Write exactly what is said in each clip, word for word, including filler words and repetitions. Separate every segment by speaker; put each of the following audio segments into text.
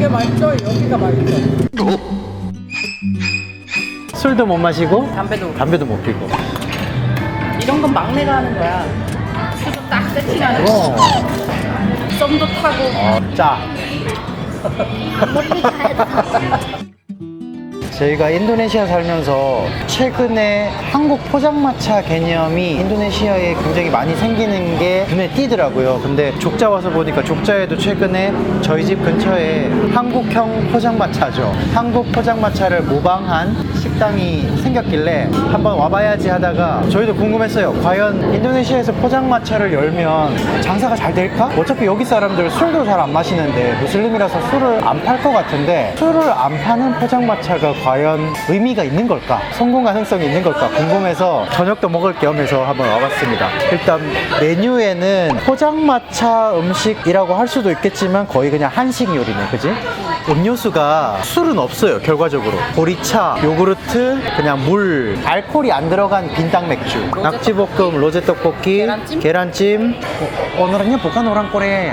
Speaker 1: 맛있어. 여기가 맛있어.
Speaker 2: 술도 못 마시고
Speaker 1: 담배도.
Speaker 2: 담배도 못 피고.
Speaker 1: 이런 건 막내가 하는 거야. 수저 딱 세팅하는 거.
Speaker 2: 어.
Speaker 1: 썸도 타고.
Speaker 2: 어, 짜. 저희가 인도네시아 살면서 최근에 한국 포장마차 개념이 인도네시아에 굉장히 많이 생기는 게 눈에 띄더라고요. 근데 족자 와서 보니까 족자에도 최근에 저희 집 근처에 한국형 포장마차죠. 한국 포장마차를 모방한 식당이 생겼길래 한번 와봐야지 하다가 저희도 궁금했어요. 과연 인도네시아에서 포장마차를 열면 장사가 잘 될까? 어차피 여기 사람들 술도 잘 안 마시는데 무슬림이라서 술을 안 팔 것 같은데 술을 안 파는 포장마차가 과연 의미가 있는 걸까? 성공 가능성이 있는 걸까? 궁금해서 저녁도 먹을 겸 해서 한번 와봤습니다. 일단 메뉴에는 포장마차 음식이라고 할 수도 있겠지만 거의 그냥 한식 요리네, 그지? 음료수가 술은 없어요, 결과적으로. 보리차, 요구르트, 그냥 물, 알코올이 안 들어간 빈당 맥주, 낙지볶음, 로제 떡볶이,
Speaker 1: 계란찜?
Speaker 2: 계란찜. 어, 오늘은요 bukan orang Korea.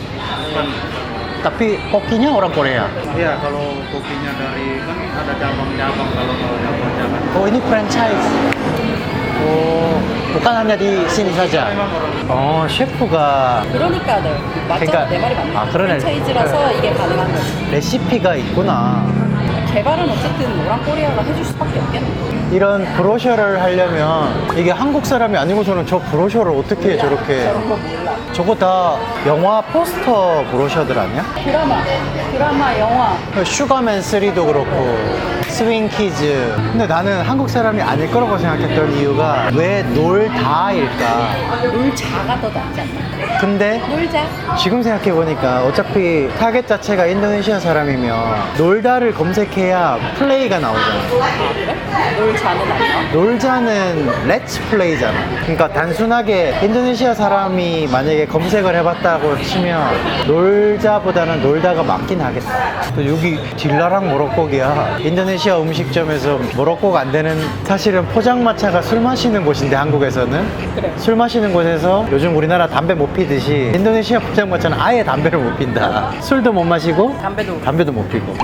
Speaker 2: Tapi kokinya orang Korea.
Speaker 3: Iya, kalau kokinya dari kan ada cabang-cabang kalau mau cabang-cabang.
Speaker 2: Oh, ini franchise. Oh, bukan hanya di sini saja. 어, 셰프가
Speaker 1: 그러니까 네. 맞죠?
Speaker 2: 그러니까-
Speaker 1: 내 말이 맞네.
Speaker 2: 아, 그러네.
Speaker 1: 프랜차이즈라서 이게 가능한 거지.
Speaker 2: 레시피가 있구나.
Speaker 1: 개발은 어쨌든 오랑코리아가 해줄 수밖에 없겠네.
Speaker 2: 이런 브로셔를 하려면 이게 한국 사람이 아니고서는 저 브로셔를 어떻게 저렇게.
Speaker 1: 저런 거 몰라.
Speaker 2: 저거 다 영화 포스터 브로셔들 아니야?
Speaker 1: 드라마, 드라마, 영화.
Speaker 2: 슈가맨 쓰리도 그렇고 스윙키즈. 근데 나는 한국 사람이 아닐 거라고 생각했던 이유가 왜 놀다일까?
Speaker 1: 놀자가 더 낫지 않나?
Speaker 2: 근데
Speaker 1: 놀자.
Speaker 2: 지금 생각해보니까 어차피 타겟 자체가 인도네시아 사람이면 놀다를 검색해야 플레이가 나오잖아.
Speaker 1: 아, 그래? 놀자는 안 나와?
Speaker 2: 놀자는 렛츠 플레이잖아. 그러니까 단순하게 인도네시아 사람이 만약에 검색을 해봤다고 치면 놀자보다는 놀다가 맞긴 하겠다. 또 여기 딜라랑 모로코기야. 인도네시아 음식점에서 모로코가 안 되는, 사실은 포장마차가 술 마시는 곳인데 한국에서는
Speaker 1: 그래.
Speaker 2: 술 마시는 곳에서 요즘 우리나라 담배 못 피듯이 인도네시아 포장마차는 아예 담배를 못 핀다. 술도 못 마시고
Speaker 1: 담배도.
Speaker 2: 담배도 못 피고.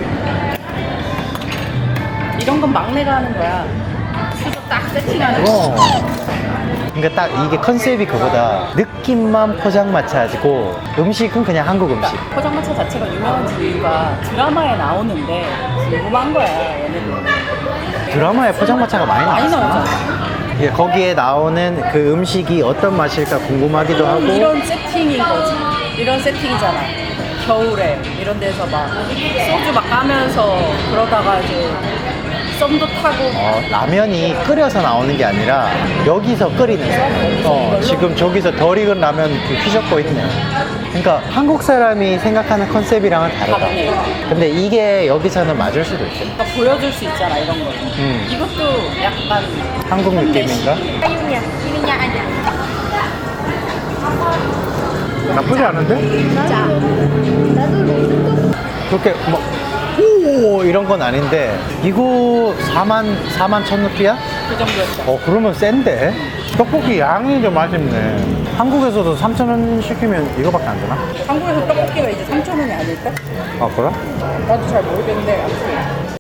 Speaker 1: 이런 건 막내가 하는 거야. 수저 딱 세팅하는 거.
Speaker 2: 어. 그러니까 딱 이게 컨셉이 그거다. 느낌만 포장마차고 음식은 그냥 한국 음식.
Speaker 1: 포장마차 자체가 유명한 이유가 드라마에 나오는데 궁금한 거야, 얘네들.
Speaker 2: 드라마에 포장마차가 많이
Speaker 1: 많이
Speaker 2: 나왔어.
Speaker 1: 나오잖아.
Speaker 2: 예, 거기에 나오는 그 음식이 어떤 맛일까 궁금하기도 하고.
Speaker 1: 이런 세팅인 거지. 이런 세팅이잖아. 겨울에 이런 데서 막 소주 막 까면서 그러다가 이제 썸도 타고.
Speaker 2: 어, 라면이 끓여서 나오는 게 아니라 여기서 끓이는 거. 어, 지금 저기서 덜 익은 라면 휘젓고 있네. 그러니까 한국 사람이 생각하는 컨셉이랑은 다르다.
Speaker 1: 다르네.
Speaker 2: 근데 이게 여기서는 맞을 수도 있어.
Speaker 1: 그러니까 보여줄 수 있잖아, 이런 거.
Speaker 2: 음.
Speaker 1: 이것도 약간
Speaker 2: 한국 느낌인가?
Speaker 4: Ayunya, ininya ada.
Speaker 2: 나쁘지 않은데?
Speaker 4: Baca. Lalu
Speaker 2: 그렇게 뭐 오 이런 건 아닌데 이거 사만 사만 천 루피야?
Speaker 1: 그 정도였어.
Speaker 2: 어 그러면 센데? 떡볶이 양이 좀 아쉽네. 한국에서도 삼천 원 시키면 이거밖에 안 되나?
Speaker 1: 한국에서 떡볶이가 이제 삼천 원이 아닐까?
Speaker 2: 아 그래?
Speaker 1: 나도 잘 모르겠는데 아무튼.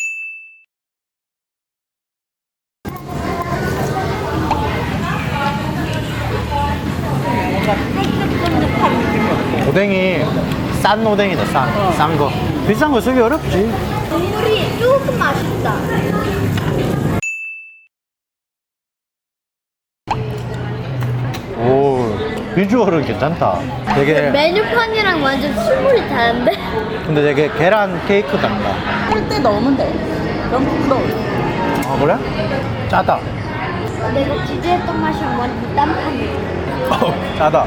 Speaker 2: 오뎅이 싼 오뎅이다 싼,
Speaker 1: 어.
Speaker 2: 싼 거. 비싼 거 쓰기 어렵지.
Speaker 4: 국물이 조금 맛있다.
Speaker 2: 오 비주얼은 괜찮다. 되게
Speaker 4: 메뉴판이랑 완전 술물이 다른데?
Speaker 2: 근데 되게 계란 케이크 같다.
Speaker 1: 꿀때 넣으면 돼. 그럼 부드러워.
Speaker 2: 아 그래? 짜다.
Speaker 4: 내가 기대했던 맛이랑 완전 딴판이야.
Speaker 2: 어, 짜다.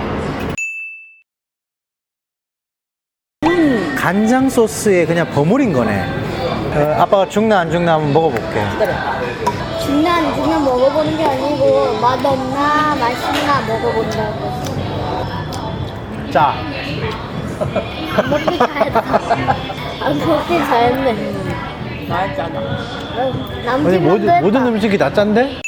Speaker 2: 간장 소스에 그냥 버무린 거네. 어, 아빠가 죽나 안 죽나 한번 먹어볼게.
Speaker 1: 기다려.
Speaker 4: 죽나 안 죽나 먹어보는 게 아니고 맛없나 맛있나 먹어본다고.
Speaker 2: 짜.
Speaker 4: 안 먹기 잘했다. 안 먹기 잘했네.
Speaker 1: 맛있잖아.
Speaker 2: 아니
Speaker 4: 남긴
Speaker 2: 모든,
Speaker 4: 것도
Speaker 2: 모든
Speaker 4: 했다.
Speaker 2: 음식이 다 짠데?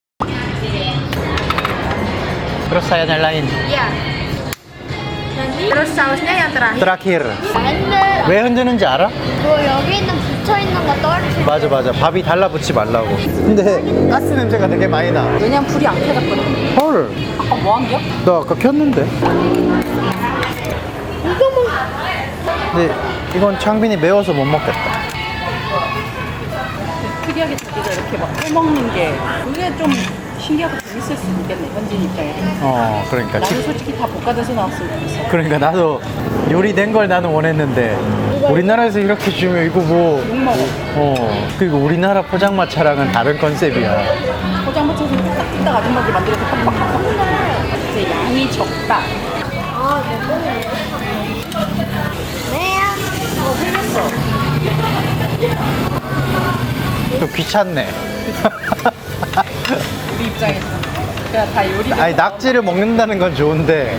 Speaker 2: Terus saya nyalain.
Speaker 4: Iya. Nanti
Speaker 1: Terus sausnya yang terakhir.
Speaker 2: 트라키르.
Speaker 4: 안돼.
Speaker 2: 왜 흔드는지 알아?
Speaker 4: 뭐 여기 있는 붙여 있는 거 떨어뜨려.
Speaker 2: 맞아 맞아. 밥이 달라붙지 말라고. 근데 가스 냄새가 되게 많이 나.
Speaker 1: 왜냐면 불이 안 켜졌거든.
Speaker 2: 헐.
Speaker 1: 아까 뭐 한 게야?
Speaker 2: 나 아까 켰는데.
Speaker 4: 이거 뭐?
Speaker 2: 근데 이건 창빈이 매워서 못 먹겠다.
Speaker 1: 특이하게 자기가 이렇게 막 해먹는 게 그게 좀 신기하고 재밌을 수 있겠네, 현진 입장에서.
Speaker 2: 어 그러니까
Speaker 1: 나도
Speaker 2: 지-
Speaker 1: 솔직히 다 볶아져서 나왔으면 좋겠어.
Speaker 2: 그러니까 나도 요리된 걸 나는 원했는데 우리나라에서 이렇게 주면 이거 뭐
Speaker 1: 욕먹어.
Speaker 2: 어 그리고 우리나라 포장마차랑은 다른 컨셉이야.
Speaker 1: 포장마차에서 뚝딱뚝딱 아줌마들 만들어서 팍팍팍팍 이제 양이 적다.
Speaker 4: 아 이거. 네야.
Speaker 1: 어, 흘렸어.
Speaker 2: 좀 귀찮네.
Speaker 1: 우리 입장에서. 그냥 다 요리가.
Speaker 2: 아니 낙지를 먹는다는 건 좋은데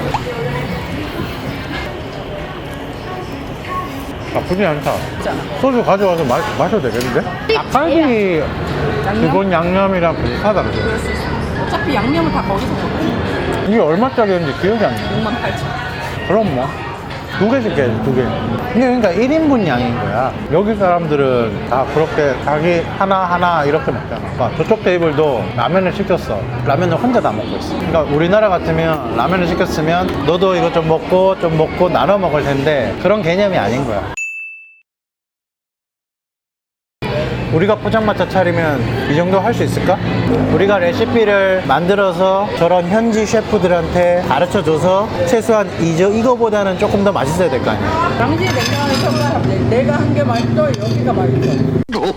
Speaker 2: 나쁘지 않다.
Speaker 1: 있잖아.
Speaker 2: 소주 가져와서 마, 마셔도 되겠는데? 닭갈비
Speaker 1: 양념?
Speaker 2: 기본 양념이랑 비슷하다 그죠?
Speaker 1: 그럴 수 있어. 어차피 양념을 다 거기서 먹고
Speaker 2: 이게 얼마짜리였는지 기억이 안 나.
Speaker 1: 육만 팔천.
Speaker 2: 그럼 뭐. 두 개씩 해, 두 개. 이게 그러니까 일 인분 양인 거야. 여기 사람들은 다 그렇게 자기 하나하나 이렇게 먹잖아. 그러니까 저쪽 테이블도 라면을 시켰어. 라면을 혼자 다 먹고 있어. 그러니까 우리나라 같으면 라면을 시켰으면 너도 이거 좀 먹고 좀 먹고 나눠 먹을 텐데 그런 개념이 아닌 거야. 우리가 포장마차 차리면 이 정도 할 수 있을까? 우리가 레시피를 만들어서 저런 현지 셰프들한테 가르쳐줘서 최소한 이저, 이거보다는 조금 더 맛있어야 될 거 아니야.
Speaker 1: 당시에 냉장고에 평가하면 내가 한 게 맛있어, 여기가 맛있어.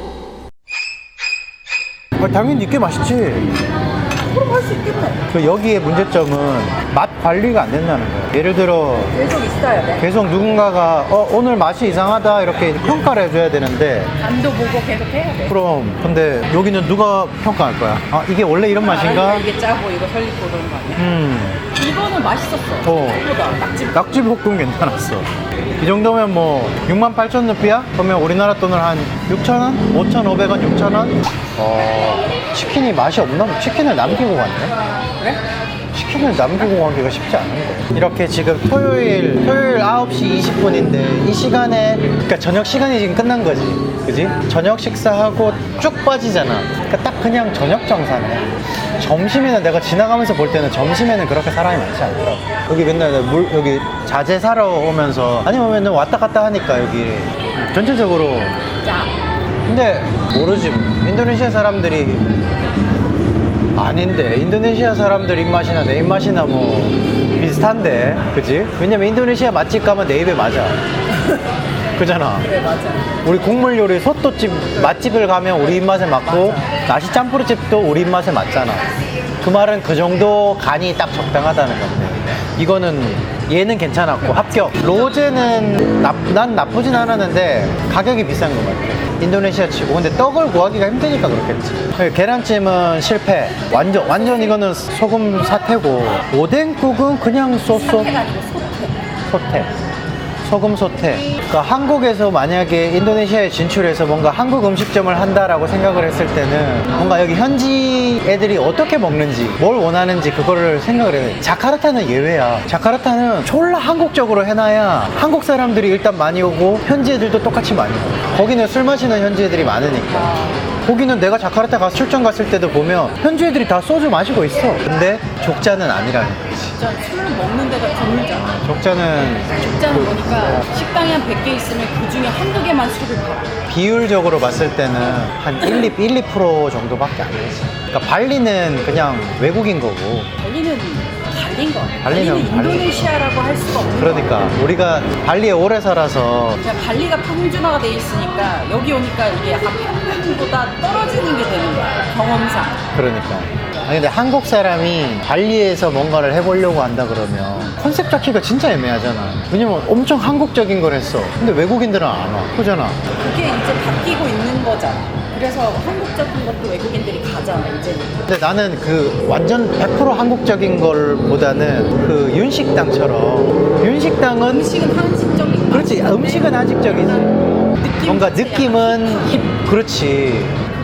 Speaker 2: 아, 당연히 이게 맛있지.
Speaker 1: 그럼 할 수 있겠네.
Speaker 2: 그 여기의 문제점은 맛 관리가 안 된다는 거야. 예를 들어
Speaker 1: 계속 있어야 돼.
Speaker 2: 계속 누군가가 어, 오늘 맛이 이상하다 이렇게 평가를 해줘야 되는데
Speaker 1: 간도 보고 계속 해야 돼.
Speaker 2: 그럼 근데 여기는 누가 평가할 거야? 아 이게 원래 이런 맛인가?
Speaker 1: 아, 이게 짜고 이거 설리고 그런 거 아니야?
Speaker 2: 음
Speaker 1: 이거는 맛있었어.
Speaker 2: 어.
Speaker 1: 생각보다 낙지.
Speaker 2: 낙지볶음 괜찮았어. 이 정도면 뭐 육만 팔천 루피야? 그러면 우리나라 돈으로 한 육천 원? 오천오백 원, 육천 원? 어, 치킨이 맛이 없나? 치킨을 남기고 갔네?
Speaker 1: 그래?
Speaker 2: 치킨을 남기고 가기가 쉽지 않은데. 이렇게 지금 토요일, 토요일 아홉 시 이십 분인데 이 시간에, 그러니까 저녁 시간이 지금 끝난 거지. 그지? 저녁 식사하고 쭉 빠지잖아. 그러니까 딱 그냥 저녁 정사네. 점심에는 내가 지나가면서 볼 때는 점심에는 그렇게 사람이 많지 않더라고. 여기 맨날 내가 물, 여기 자재 사러 오면서 아니면 왔다 갔다 하니까 여기 전체적으로.
Speaker 1: 짜.
Speaker 2: 근데 모르지. 인도네시아 사람들이 아닌데 인도네시아 사람들 입맛이나 내 입맛이나 뭐 비슷한데 그지? 왜냐면 인도네시아 맛집 가면 내 입에 맞아. 그잖아.
Speaker 1: 그래, 맞아.
Speaker 2: 우리 국물 요리 소또집 맛집을 가면 우리 입맛에 맞고 나시 짬뿌르집도 우리 입맛에 맞잖아. 그 말은 그 정도 간이 딱 적당하다는 건데 이거는 얘는 괜찮았고 합격. 로제는 나, 난 나쁘진 않았는데 가격이 비싼 것 같아. 인도네시아 치고. 근데 떡을 구하기가 힘드니까 그렇겠지. 계란찜은 실패. 완전 완전 이거는 소금 사태고 오뎅국은 그냥 쏘쏘
Speaker 1: 사태가 아니고 소태.
Speaker 2: 소태. 소금 소태. 그러니까 한국에서 만약에 인도네시아에 진출해서 뭔가 한국 음식점을 한다라고 생각을 했을 때는 뭔가 여기 현지 애들이 어떻게 먹는지 뭘 원하는지 그거를 생각을 해야 돼. 자카르타는 예외야. 자카르타는 졸라 한국적으로 해놔야 한국 사람들이 일단 많이 오고 현지 애들도 똑같이 많이 오고 거기는 술 마시는 현지 애들이 많으니까. 거기는 내가 자카르타 가서 출장 갔을 때도 보면 현지 애들이 다 소주 마시고 있어. 근데 족자는 아니라는 거지.
Speaker 1: 진짜 술 먹는 데가 드물잖아.
Speaker 2: 족자는
Speaker 1: 직장을 보니까 식당에 한 백 개 있으면 그 중에 한두 개만 술을 팔아.
Speaker 2: 비율적으로 봤을 때는 한 일, 이, 일, 이 퍼센트 정도밖에 안 되지. 그러니까 발리는 그냥 외국인 거고.
Speaker 1: 발리는 발리인 거 같아.
Speaker 2: 발리는
Speaker 1: 발리는
Speaker 2: 발리.
Speaker 1: 인도네시아라고 할 수가 없는
Speaker 2: 그러니까
Speaker 1: 거 같아.
Speaker 2: 우리가 발리에 오래 살아서
Speaker 1: 그냥 발리가 평준화가 돼 있으니까 여기 오니까 이게 약간 평균보다 떨어지는 게 되는 거야. 경험상.
Speaker 2: 그러니까. 아니 근데 한국 사람이 발리에서 뭔가를 해보려고 한다 그러면 컨셉 잡기가 진짜 애매하잖아. 왜냐면 엄청 한국적인 걸 했어. 근데 외국인들은 안 와. 그잖아.
Speaker 1: 그게 이제 바뀌고 있는 거잖아. 그래서 한국적인 것도 외국인들이 가잖아, 이제는.
Speaker 2: 근데 나는 그 완전 백 퍼센트 한국적인 걸보다는 그 윤식당처럼 윤식당은
Speaker 1: 음식은 한식적인
Speaker 2: 그렇지. 음식은 한식적이지. 뭔가 느낌은 힙, 그렇지.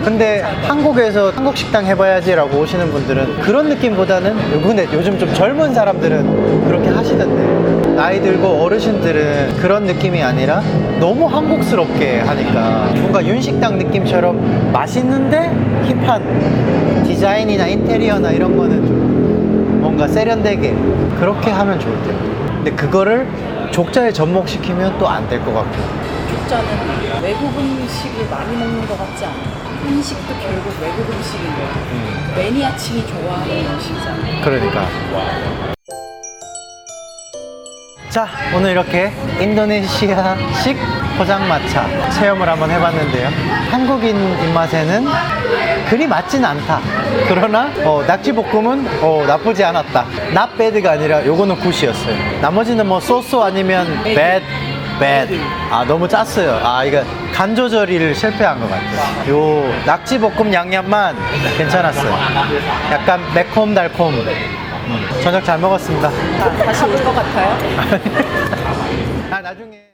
Speaker 2: 근데 한국에서 한국 식당 해봐야지라고 오시는 분들은 그런 느낌보다는, 근데 요즘 좀 젊은 사람들은 그렇게 하시던데, 나이 들고 어르신들은 그런 느낌이 아니라 너무 한국스럽게 하니까 뭔가 윤식당 느낌처럼 맛있는데 힙한 디자인이나 인테리어나 이런 거는 좀 뭔가 세련되게 그렇게 하면 좋을 텐데, 근데 그거를 족자에 접목시키면 또 안 될 것 같고.
Speaker 1: 족자는 외국 음식을 많이 먹는 것 같지 않아? 한식도 결국 외국 음식인 거야.
Speaker 2: 음.
Speaker 1: 매니아층이 좋아하는 음식이잖아.
Speaker 2: 그러니까. 자, 오늘 이렇게 인도네시아식 포장마차 체험을 한번 해봤는데요. 한국인 입맛에는 그리 맞진 않다. 그러나 어, 낙지볶음은 어, 나쁘지 않았다. not bad가 아니라 요거는 굿이었어요. 나머지는 뭐 소소 아니면 bad, bad. 아, 너무 짰어요. 아, 이거 간 조절을 실패한 것 같아요. 요 낙지볶음 양념만 괜찮았어요. 약간 매콤 달콤. 음, 저녁 잘 먹었습니다.
Speaker 1: 아, 다시 올 것 같아요?
Speaker 2: 아, 나중에.